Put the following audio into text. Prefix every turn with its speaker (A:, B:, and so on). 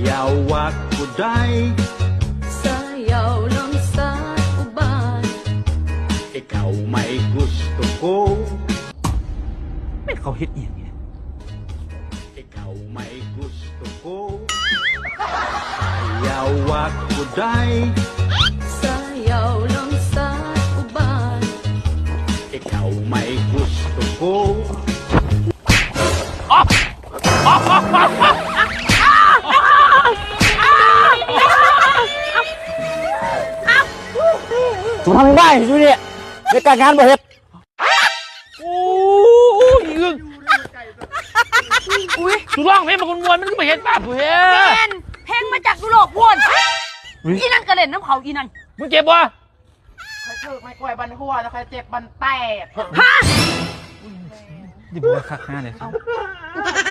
A: Sayawak uday
B: Sayaw lang sa uban.
A: Ikaw may gusto ko
C: ไม่เขาเฮ็ดเอียงเนี่ย
A: Ikaw may gusto ko Sayawak uday
B: Sayaw lang sa uban.
A: Ikaw may gusto ko
C: สุทำได้อยู่เนี่ยในการงานบ่เฮ็ดโอ้ยอึ้งอุ้ยสุร้องเพลงมันมวนมันก็ไม่เห็นป่ะเพื่อน
D: เพลงมาจากยุโรปพวนอีนั่นกระเล่นน้ำเขาอีนั่น
C: มึงเจ็บวะ
E: คอยถือไม่กล้วยบันหัวแล้วคอยเจ็บบันแตก
D: ฮะ
C: ดิบว่าคักหน้าเลย